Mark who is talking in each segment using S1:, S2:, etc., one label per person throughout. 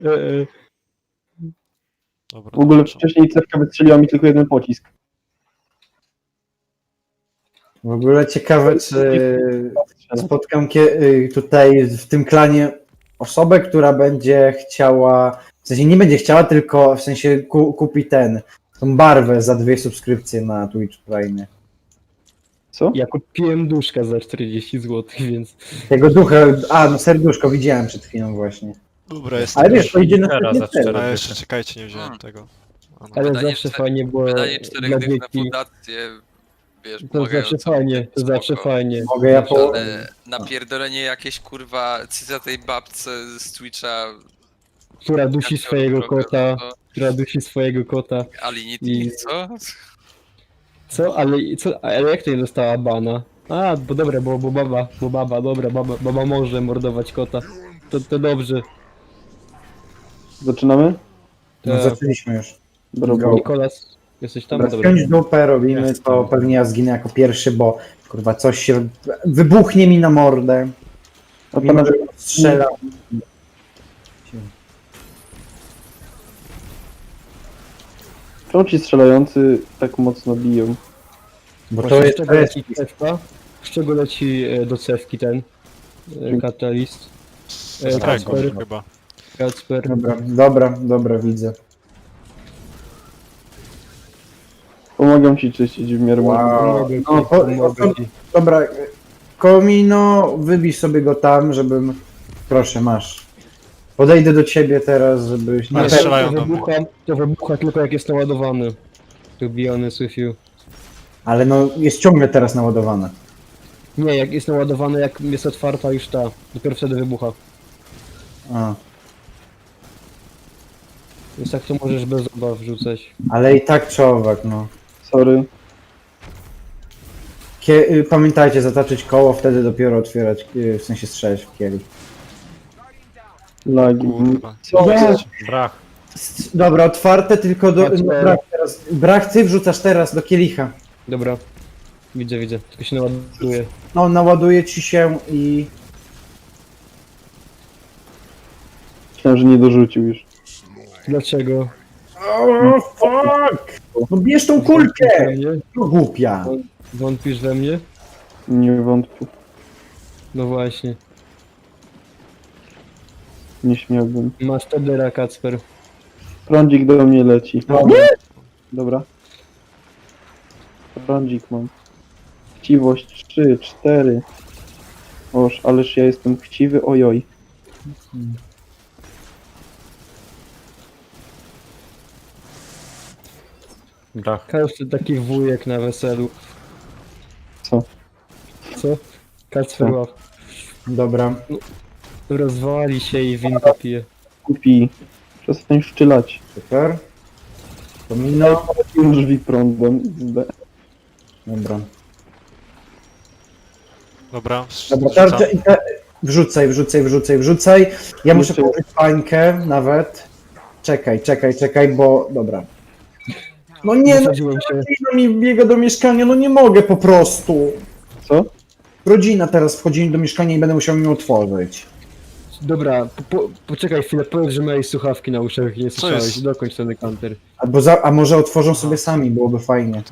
S1: E,
S2: Dobra,
S3: W ogóle
S2: dołączam.
S3: wcześniej cewka wystrzeliła mi tylko jeden pocisk.
S4: W ogóle ciekawe, czy spotkam tutaj w tym klanie osobę, która będzie chciała, w sensie nie będzie chciała, tylko w sensie kupi tą barwę za 2 subskrypcje na Twitch Prime.
S3: Co?
S1: ja kupiłem duszka za 40 zł, więc...
S4: Tego ducha, no serduszko widziałem przed chwilą właśnie.
S2: Dobra, jest.
S4: Ale wiesz, to idzie na
S5: Teraz za
S4: pewno.
S5: 4
S2: A jeszcze czekajcie, nie wziąłem tego. A no.
S1: Ale
S6: Wydanie
S1: zawsze
S6: czter-
S1: fajnie było
S6: Wydanie 4
S1: dla
S6: dych na
S1: dzieci.
S6: fundację, wiesz,
S1: To zawsze
S6: pomagającą,
S1: fajnie, to
S6: spoko.
S1: zawsze fajnie.
S4: Mogę ja
S1: Zawsze-
S4: po...
S6: Ale napierdolenie jakieś kurwa cytatej babce z Twitcha.
S1: Która dusi
S6: jak to
S1: swojego
S6: robią,
S1: kota,
S6: to
S1: która dusi swojego kota.
S6: Alinity,
S1: I-
S6: co?
S1: Co? Ale jak to nie dostała bana? A, bo dobra, bo baba, dobra, baba może mordować kota. To dobrze.
S3: Zaczynamy?
S4: No,
S1: Tak.
S4: zaczęliśmy już.
S3: Dobra.
S1: Nikolas, jesteś tam?
S4: Dobra,
S1: Dobra.
S4: spiąć dupę robimy,
S5: Jest
S4: to
S5: tam.
S4: pewnie ja zginę jako pierwszy, bo kurwa coś się wybuchnie mi na mordę.
S3: A
S4: Mimo,
S3: panowie,
S4: że strzela.
S3: czemu ci strzelający tak mocno biją?
S4: Bo to
S1: Właśnie
S4: jest
S1: z czego leci cewka? Z czego leci do cewki ten katalist?
S2: Z tego
S1: Kacper,
S2: chyba.
S1: Kacper.
S4: Dobra, widzę.
S3: Pomagam ci czyścić w miarę
S4: Wow.
S1: Pomogę ci,
S4: No,
S1: pomogę ci.
S4: Dobra, Komino, wybij sobie go tam, żebym... Proszę, masz. Podejdę do ciebie teraz, żebyś...
S2: Ale
S4: Nie,
S2: strzelają do mnie.
S1: To wybucha tylko jak jest naładowany. To be honest with you.
S4: ale no, jest ciągle teraz naładowane.
S1: Nie, jak jest naładowany, jak jest otwarta już ta. Dopiero wtedy wybucha.
S4: A.
S1: Więc tak to możesz bez obaw wrzucać.
S4: Ale i tak człowiek, no.
S3: Sorry.
S4: Pamiętajcie, zataczyć koło, wtedy dopiero otwierać, w sensie strzelać w kielich.
S3: Lagi.
S2: Kurwa.
S3: Co?
S2: Jest.
S5: Brach.
S4: Dobra, otwarte tylko do...
S1: Kacper.
S4: No, brach, ty wrzucasz teraz do kielicha.
S1: Dobra. Widzę. Tylko się naładuje.
S4: No, naładuje ci się i...
S3: Myślałem, że nie dorzucił już.
S1: Dlaczego?
S4: Oh, fuck! No bierz tą
S1: Wątpisz we
S4: kulkę!
S1: mnie?
S4: No głupia.
S1: Wątpisz we mnie?
S3: Nie wątpię.
S1: No właśnie.
S3: Nie śmiałbym.
S1: Masz Tedera, Kacper.
S3: Prądzik do mnie leci.
S4: No,
S3: Dobra. Prądzik mam. Chciwość 3, 4. Oż, ależ ja jestem chciwy, ojoj.
S5: Brach.
S1: Każdy taki wujek na weselu.
S3: Co?
S1: Co? Kacper
S3: Co?
S1: łap.
S4: Dobra.
S1: Rozwali się i winko pije.
S3: Kupi. Przestań szczylać.
S4: Super. Komino.
S3: Drzwi prądem.
S4: Dobra.
S2: Dobra,
S4: Dobra,
S2: wrzucam.
S4: tarczę i wrzucaj. Ja muszę
S3: Jeszcze-
S4: położyć pańkę nawet. Czekaj, bo... Dobra. No nie, no
S1: Wysadziłem się.
S4: rodzina mi biega do mieszkania, no nie mogę po prostu.
S3: Co?
S4: Rodzina teraz wchodzi do mieszkania i będę musiał ją otworzyć.
S1: Dobra, poczekaj chwilę, powiedz, że miałeś słuchawki na uszach i nie słyszałeś.
S2: jest?
S1: Dokończ ten counter.
S4: A może otworzą sobie sami, byłoby fajnie.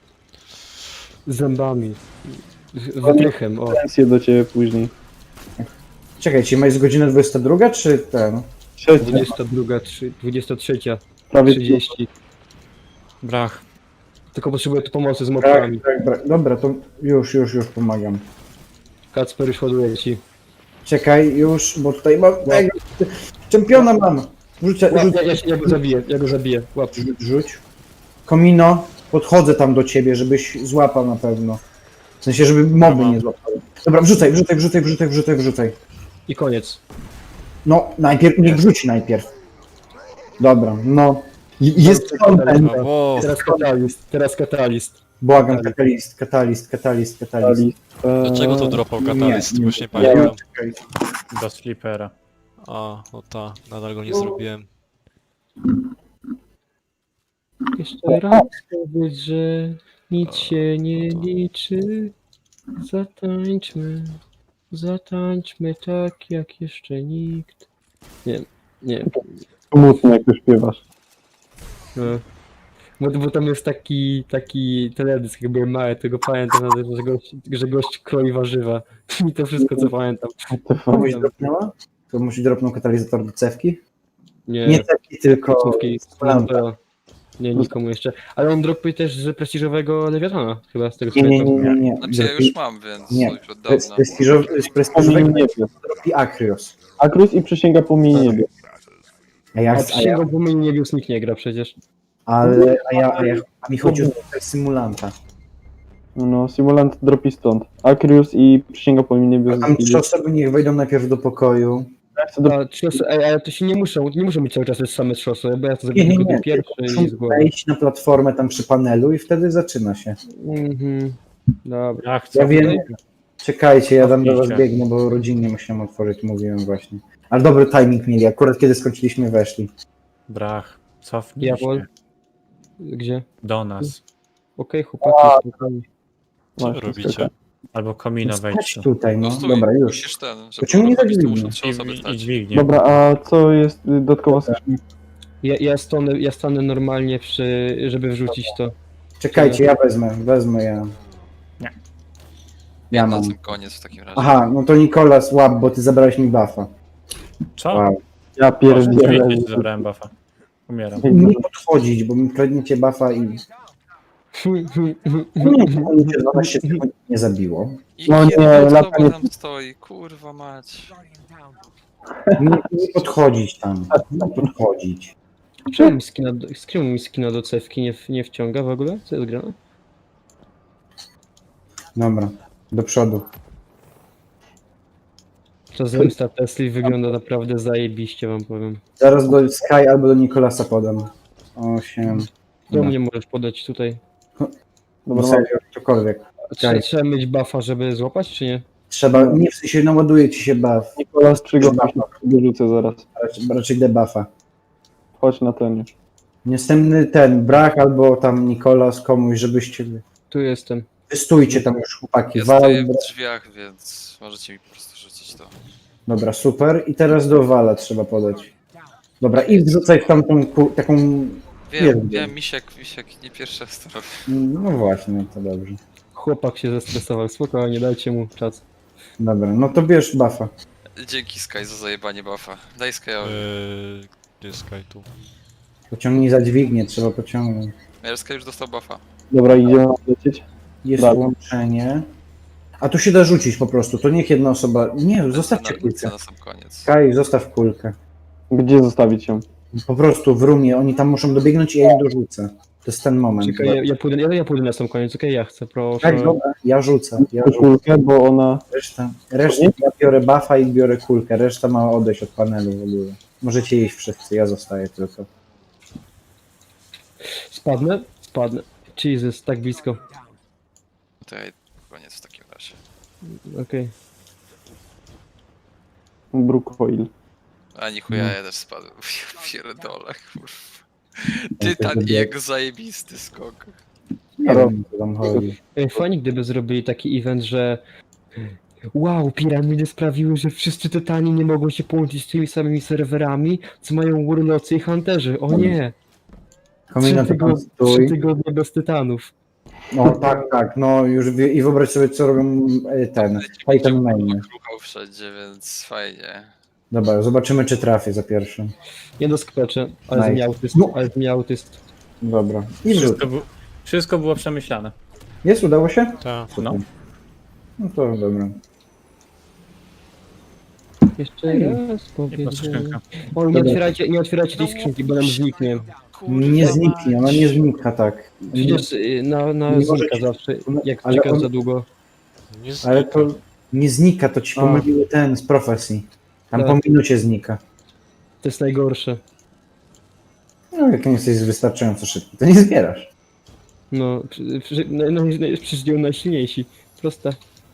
S1: Zębami. Wytrychem, o.
S3: Pensję do ciebie później.
S4: Czekajcie, jest godzina 22, czy ten?
S3: Trzecia.
S1: 22, 23,
S3: Prawie
S1: 30.
S2: Brach.
S1: Tylko potrzebuję tu pomocy z
S4: Tak,
S1: mopkami.
S4: Dobra, to już pomagam.
S1: Kacper już ładuje ci.
S4: Czekaj, już, bo tutaj mam... Czempiona mam! Rzucę,
S1: Ja go zabiję. Łap.
S4: rzuć. Komino, podchodzę tam do ciebie, żebyś złapał na pewno. W sensie, żeby moby
S2: Dobra.
S4: nie złapały. Dobra, wrzucaj.
S1: I koniec.
S4: No, najpierw, niech wrzuci najpierw. Dobra, no. Jest
S1: Dobra,
S4: content.
S2: No, wow.
S1: Teraz katalist.
S4: Błagam, katalist.
S2: Dlaczego to dropał katalist? Bo już nie
S4: Nie,
S2: pamiętam.
S4: czekaj.
S5: Do sleepera.
S2: A, no ta, nadal go nie zrobiłem.
S1: Jeszcze raz powiedz, że nic się nie liczy. Zatańczmy tak jak jeszcze nikt. Nie wiem. Nie.
S3: Smutno, jak już śpiewasz.
S1: No. Bo tam jest taki teledysk, jak byłem mały, tego pamiętam, że gość kroi warzywa. I to wszystko, co pamiętam.
S4: Komuś dropnęła? Komuś dropnął katalizator do cewki?
S1: Nie,
S4: Nie cewki, tylko
S1: końcówki.
S4: Splanta.
S1: Nie, nikomu jeszcze. Ale on dropuje też z prestiżowego Lewiatana, chyba z tego co
S4: Nie, nie,
S1: pamiętam.
S4: nie, nie.
S6: Znaczy ja już mam, więc
S4: Nie.
S6: już od dawna.
S4: Z prestiżowego
S3: Niebie.
S4: dropi Akrios.
S3: Akrus i przysięga płomieni niebie.
S1: A przysięgą płomieni niebios nikt nie gra przecież.
S4: A mi chodzi o symulanta.
S3: No, Simulant dropi stąd. Akrius i przysięga płomieni niebie.
S4: Tam 3 osoby niech wejdą najpierw do pokoju.
S1: A, ale to się nie muszą być cały czas te same 3 osoby, bo ja to
S4: Nie,
S1: zrobię
S4: nie,
S1: tylko
S4: nie.
S1: pierwszy
S4: Muszą
S1: i z głowy.
S4: wejść na platformę tam przy panelu i wtedy zaczyna się.
S1: Mhm. Dobra.
S5: Ja chcę.
S4: Ja wiem. Czekajcie, ja tam do was
S5: Cofnijcie.
S4: biegnę, bo rodzinnie musiałem otworzyć, mówiłem właśnie. Ale dobry timing mieli, akurat kiedy skończyliśmy weszli.
S5: Brach, cofnij
S1: Jawol.
S5: się
S1: Gdzie?
S5: do nas.
S1: Okej, chłopaki, spokojnie.
S2: Co wy robicie?
S5: Albo komina
S4: Chodź
S5: wejdźcie.
S4: tutaj,
S6: No
S4: no.
S6: stój,
S4: Dobra, już.
S6: musisz ten, żeby
S4: Pociągnij
S6: uruchomić, to
S4: dźwignię.
S6: muszą 3 osoby
S5: I
S6: stać.
S5: dźwignię.
S3: Dobra, a co jest dodatkowa skrzynka?
S1: Ja stanę normalnie żeby wrzucić to.
S4: Czekajcie, ja wezmę ja.
S5: Nie.
S4: Ja
S6: Na
S4: mam.
S6: sam koniec w takim razie.
S4: Aha, no to Nikolas, łap, bo ty zabrałeś mi buffa.
S5: Co?
S4: Wow.
S3: Ja pierdzielę.
S5: Dźwignię ci zabrałem buffa. Umieram.
S4: Nie podchodzić, bo mi kradniecie buffa i... Nie, 12 sekund nie zabiło.
S6: I
S3: No
S6: kiedy
S3: nie,
S6: to
S3: latanie-
S6: tam stoi, kurwa mać.
S4: Nie podchodzić tam. Nie podchodzić.
S1: Czemu mi skina do cewki nie wciąga w ogóle? Co jest grane?
S4: Dobra, do przodu.
S1: To zemsta Tesli wygląda naprawdę zajebiście, wam powiem.
S4: Zaraz do Sky albo do Nikolasa podam. 8.
S1: Do mnie możesz podać tutaj.
S4: Dobra, serio, cokolwiek.
S1: Trzeba mieć buffa, żeby złapać, czy nie?
S4: Trzeba, nie w sensie naładuje ci się buff.
S3: Nikolas przygotuj się, wyrzucę zaraz.
S4: Raczej debuffa.
S3: Chodź na ten już.
S4: Następny ten, Brach albo tam Nikolas komuś, żebyście...
S1: Tu jestem.
S4: Wystójcie tam już chłopaki.
S6: Ja
S4: Wal,
S6: stoję w drzwiach, więc możecie mi po prostu rzucić to.
S4: Dobra, super. I teraz do Wala trzeba podać. Dobra, i wrzucaj w tamtą taką...
S6: Wiem, misiek, nie pierwszy raz to robię.
S4: No właśnie, no to dobrze.
S1: Chłopak się zestresował, spokojnie, dajcie mu czas.
S4: Dobra, no to bierz buffa.
S6: Dzięki Sky za zajebanie buffa. Daj Skyowi.
S2: Gdzie jest Sky tu?
S4: Pociągnij za dźwignię, trzeba pociągnąć.
S6: Ja Sky już dostał buffa.
S3: Dobra, idziemy lecieć.
S4: Jest
S3: Dobra.
S4: łączenie. A tu się da rzucić po prostu, to niech jedna osoba... Nie, zostawcie kulkę.
S6: Na sam koniec.
S4: Sky, zostaw kulkę.
S3: Gdzie zostawić ją?
S4: Po prostu w rumie, oni tam muszą dobiegnąć i ja im dorzucę. To jest ten moment.
S1: Czekaj, ja pójdę na sam koniec, okej, ja chcę, proszę.
S4: Tak, dobra, ja rzucę.
S3: Kulkę, bo ona...
S4: Reszta ja biorę buffa i biorę kulkę, reszta ma odejść od panelu w ogóle. Możecie iść wszyscy, ja zostaję tylko.
S1: Spadnę? Spadnę. Jesus, tak blisko.
S6: To ja koniec w takim razie.
S1: Okej.
S3: Brookhoil.
S6: A nie chuja, ja też spadłem. Ja pierdolę, kurwa. Tytan i jego zajebisty skok.
S4: Nie wiem, co tam chodzi.
S1: Fajnie, gdyby zrobili taki event, że wow, piramidy sprawiły, że wszyscy tytani nie mogą się połączyć z tymi samymi serwerami, co mają Warloccy i Hunterzy. O nie!
S4: Komina to tam
S1: 3
S4: stój.
S1: tygodnie bez tytanów.
S4: No tak, no już i wyobraź sobie, co robią ten Titan Main.
S6: Ruchał wszędzie, więc fajnie.
S4: Dobra, zobaczymy, czy trafię za pierwszym.
S1: Nie doskoczę, ale
S4: Nice.
S1: z mnie autyst,
S4: No.
S1: ale z mnie autyst.
S4: Dobra. I wrzut.
S5: Wszystko było przemyślane.
S4: Jest, udało się?
S2: Tak.
S5: No.
S4: No to dobra.
S1: Jeszcze raz
S5: I
S1: powiedz.
S5: patrz skrzynka.
S1: O, nie otwierajcie tej skrzynki, bo nam zniknie.
S4: Nie zniknie, ona nie znika tak.
S1: Przecież na
S4: Nie
S1: znika
S4: możecie-
S1: zawsze, jak
S4: ale
S1: czekasz
S4: on-
S1: za długo.
S2: Nie
S4: Ale to nie znika, to ci
S1: A.
S4: pomyliły ten z profesji. Tam
S1: Tak.
S4: po minucie znika.
S1: To jest najgorsze.
S4: No jak nie jesteś wystarczająco szybki, to nie zbierasz.
S1: No, przecież nie najsilniejsi. Proste.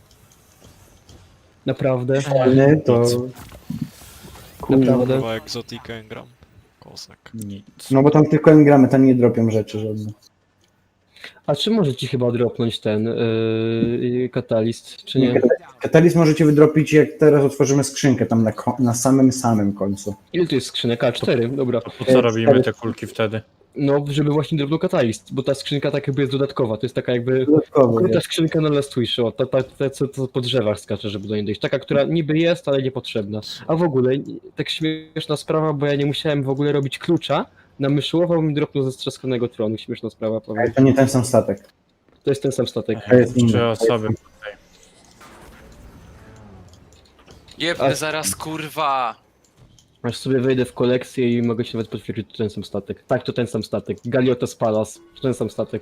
S1: Naprawdę.
S4: Ale to...
S1: Naprawdę.
S2: Kurwa, Exotic Engram. Kozak.
S5: Nic.
S4: No bo tam tylko engramy, tam nie dropią rzeczy żadne.
S1: A czy może ci chyba dropnąć ten katalist, czy nie?
S4: Katalizm możecie wydropić, jak teraz otworzymy skrzynkę tam na samym końcu.
S1: Ile to jest skrzynek? A4, dobra.
S5: To po co robimy te kulki wtedy?
S1: No, żeby właśnie drobną katalist, bo ta skrzynka tak jakby jest dodatkowa, to jest taka jakby
S4: Dodatkowo,
S1: ukryta
S4: wiesz.
S1: skrzynka na Last Wish, o, ta co po drzewach skacze, żeby do niej dojść. Taka, która niby jest, ale niepotrzebna. A w ogóle, tak śmieszna sprawa, bo ja nie musiałem w ogóle robić klucza, na myszołował mi dropnął ze strzaskanego tronu, śmieszna sprawa,
S4: Ale
S1: powiem.
S4: to nie ten sam statek.
S1: To jest ten sam statek.
S4: To jest inny.
S5: 3 osoby.
S6: Jebny zaraz, kurwa!
S1: Aż sobie wejdę w kolekcję i mogę się nawet potwierdzić, to ten sam statek. Tak, to ten sam statek. Galiotas Palace, to ten sam statek.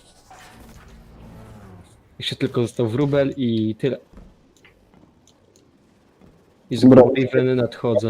S1: Jeszcze tylko został wróbel i tyle. I z
S3: Dobra.
S1: Raven nadchodzę.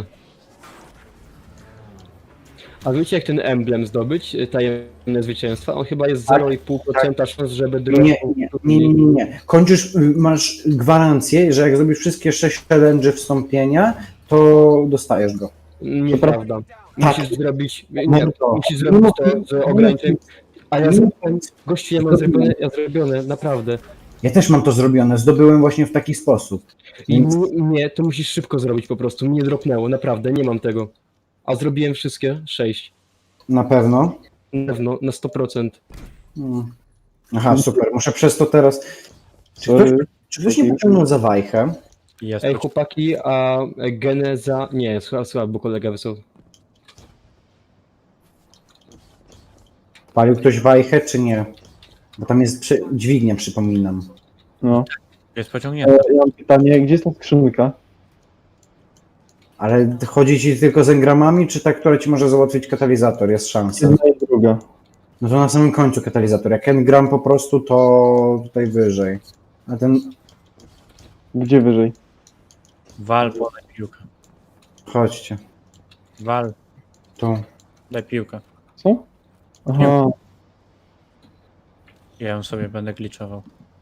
S1: A wiecie jak ten emblem zdobyć, tajemne zwycięstwa? On chyba jest 0,5% szans, żeby
S4: Nie. Kończysz, masz gwarancję, że jak zrobisz wszystkie 6 challenge wstąpienia, to dostajesz go.
S1: Nieprawda.
S4: Tak.
S1: Musisz zrobić,
S4: Mam to.
S1: musisz zrobić to z ograniczeniem. A ja zrobiłem, gościu, ja mam zrobione, naprawdę.
S4: Ja też mam to zrobione, zdobyłem właśnie w taki sposób.
S1: I
S4: Więc
S1: nie, to musisz szybko zrobić po prostu. Mnie dropnęło, naprawdę, nie mam tego. A zrobiłem wszystkie 6.
S4: na pewno.
S1: Na pewno, na 100%.
S4: Aha, super. Muszę przez to teraz. Czy ktoś nie pociągnął za wajchę?
S5: Jest
S1: Ej, chłopaki, a geneza... Nie, słuchaj, bo kolega wysłał.
S4: Palił ktoś wajchę, czy nie? Bo tam jest dźwignia, przypominam.
S3: No.
S5: jest pociągnięty.
S3: Ja mam pytanie, gdzie jest ta skrzynka?
S4: Ale chodzi ci tylko z engramami, czy ta, która ci może załatwić katalizator? Jest szansa.
S3: Jedna i druga.
S4: No to na samym końcu katalizator. Jak engram po prostu, to tutaj wyżej. A ten.
S3: Gdzie wyżej?
S5: Wal, podaj piłkę.
S4: Chodźcie.
S5: Wal,
S4: Tu.
S5: daj piłkę.
S3: Co? Aha.
S5: Ja ją sobie będę glitchował.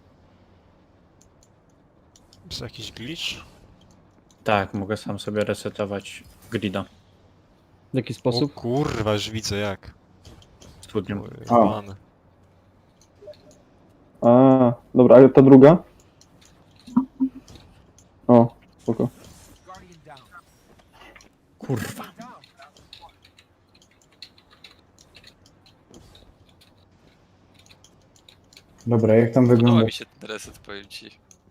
S2: Jest jakiś glitch?
S5: Tak, mogę sam sobie resetować grida
S1: W jaki
S2: O
S1: sposób?
S2: kurwa, już widzę jak.
S5: studnią.
S2: Rany.
S3: A, dobra, ale ta druga? O, spoko.
S5: Kurwa.
S4: Dobra, jak tam
S6: Podoba
S4: wygląda?
S6: mi się ten reset, powiem ci.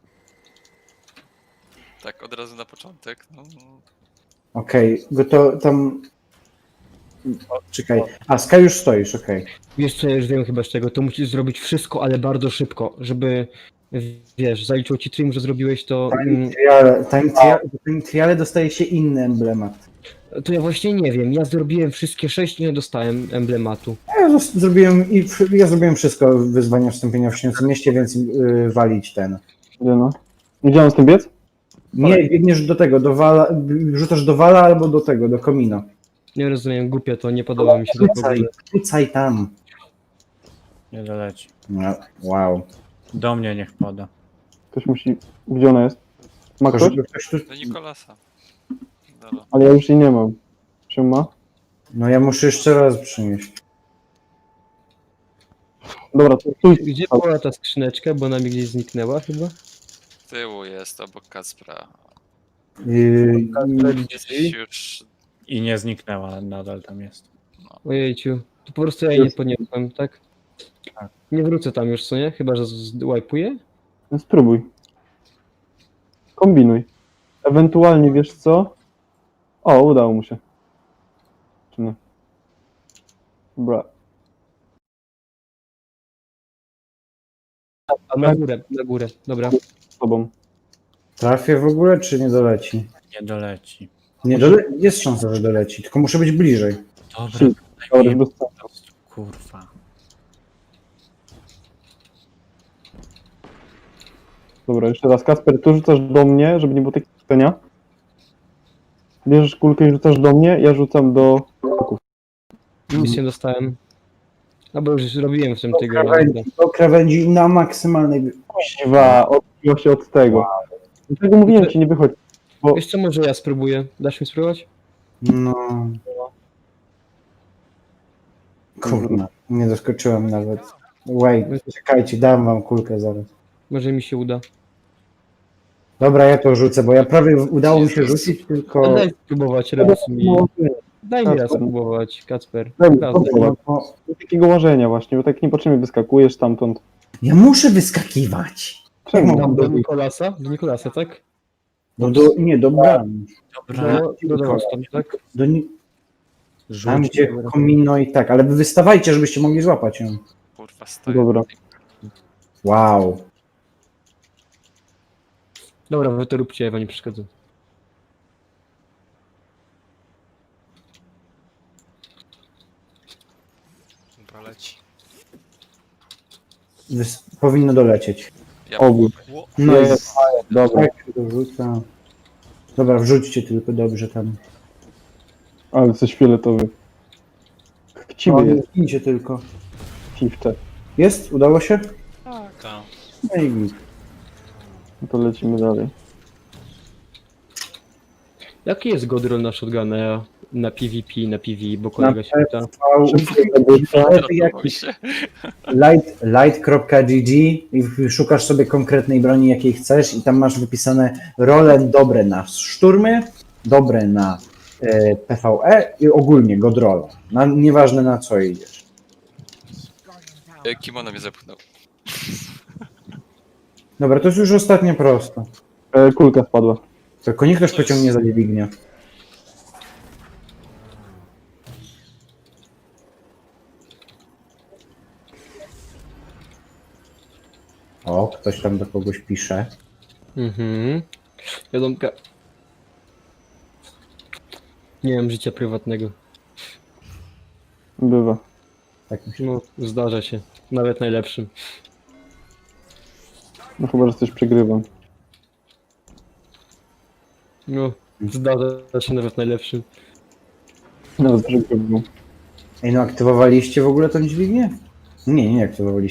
S6: Tak, od razu na początek, no.
S4: Okej, bo to tam. O, czekaj. A, Sky już stoisz, okej.
S1: Wiesz co, ja już wiem chyba z czego. To musisz zrobić wszystko, ale bardzo szybko, żeby... Wiesz, zaliczył ci stream, że zrobiłeś to...
S4: Time triale dostaje się inny emblemat.
S1: To ja właśnie nie wiem. Ja zrobiłem wszystkie 6 i nie dostałem emblematu.
S4: Ja zrobiłem wszystko wyzwania wstąpienia w Śniącym Mieście, więc walić ten.
S3: Gdzie no? Gdzie mam z tym biec?
S4: Nie, biegniesz do tego, do wala, rzucasz do wala albo do tego, do komina.
S1: Nie rozumiem, głupie to, nie podoba mi się to w ogóle.
S4: Rzucaj tam.
S5: Nie doleci.
S4: No, wow.
S5: Do mnie niech poda.
S3: Ktoś musi... Gdzie ona jest? Ma
S4: Tylko,
S3: ktoś?
S4: żeby ktoś tu...
S6: Do Nikolasa. Dobra.
S3: Ale ja już jej nie mam. Czy ma?
S4: No ja muszę jeszcze raz przynieść.
S3: Dobra, to tu
S1: Gdzie była ta skrzyneczka, bo ona mi gdzieś zniknęła chyba?
S6: Z tyłu jest, obok Kacpra.
S1: Drzwi?
S6: Już...
S5: I nie zniknęła, nadal tam jest.
S1: Ojejciu, to po prostu ja jej nie podniosłem, tak? Nie wrócę tam już, co nie? Chyba, że wipuję?
S3: No spróbuj. Kombinuj. Ewentualnie, wiesz co? O, udało mu się. Czy nie? Dobra.
S1: A na górę, dobra.
S3: Z tobą.
S4: Trafię w ogóle, czy nie doleci?
S5: Nie doleci.
S4: Nie jest szansa, że doleci, tylko muszę być bliżej.
S5: Dobra,
S3: Dobra, już bez sensu.
S5: kurwa.
S3: Dobra, jeszcze raz. Kasper, tu rzucasz do mnie, żeby nie było takiego pytania. Bierzesz kulkę i rzucasz do mnie, ja rzucam do...
S1: Nic nie dostałem. No bo już robiłem w tym tygodniu.
S4: Do krawędzi na maksymalnej...
S3: Kuźwa, odbiło się od tego. Dlatego mówiłem ci, nie wychodź.
S1: Wiesz co, może ja spróbuję. Dasz mi spróbować?
S4: No... Kurna, nie doskoczyłem nawet. Wait, czekajcie, dam wam kulkę zaraz.
S1: Może mi się uda.
S4: Dobra, ja to rzucę, bo ja prawie udało mi się
S6: Jezus.
S4: rzucić, tylko...
S1: Daj spróbować raz mi. Daj mi raz spróbować, Kacper.
S3: Daj mi
S1: Raz,
S3: spróbować.
S4: No,
S3: Takiego łażenia właśnie, bo tak niepotrzebnie wyskakujesz stamtąd.
S4: ja muszę wyskakiwać.
S3: Czemu?
S1: Tam do Nikolasa? Do Nikolasa, tak?
S4: No nie, do bram.
S5: Dobra,
S1: Do was tam, tak?
S4: Tam gdzie komino i tak, ale wy wystawajcie, żebyście mogli złapać ją.
S6: Kurwa, stoję.
S3: Dobra.
S4: Wow.
S1: Dobra, wy to róbcie, ja wam nie przeszkadzam.
S6: Dobra, leci.
S4: Powinno dolecieć.
S6: Ja
S3: Obóz.
S4: No i
S3: Jest. Dobra,
S4: tak się dorzuca. Dobra, wrzućcie tylko dobrze tam.
S3: ale coś fioletowy. Chciwy jest,
S4: Idźcie tylko.
S3: fifcze.
S4: Jest? Udało się?
S5: tak.
S4: No i git.
S3: No to lecimy dalej.
S1: Jaki jest godroll na shotguna na PvP, na PvE, bo kolega się pyta.
S6: Ratował się.
S4: Light.gg i szukasz sobie konkretnej broni, jakiej chcesz i tam masz wypisane role dobre na szturmy, dobre na PvE i ogólnie godrola. Nieważne na co idziesz.
S6: Kimono mnie zepchnął.
S4: Dobra, to jest już ostatnio prosto.
S3: Kulka spadła.
S4: Tylko niech ktoś pociągnie za dźwignię. O, ktoś tam do kogoś pisze.
S1: Mhm. Wiadomka. Nie mam życia prywatnego.
S3: Bywa.
S4: Tak mi się...
S1: No, zdarza się. Nawet najlepszym.
S3: No chyba, że coś przegrywam.
S1: No, zdarza się nawet najlepszym.
S3: Nawet przegrywam.
S4: Ej, no aktywowaliście w ogóle tą dźwignię? Nie aktywowaliście.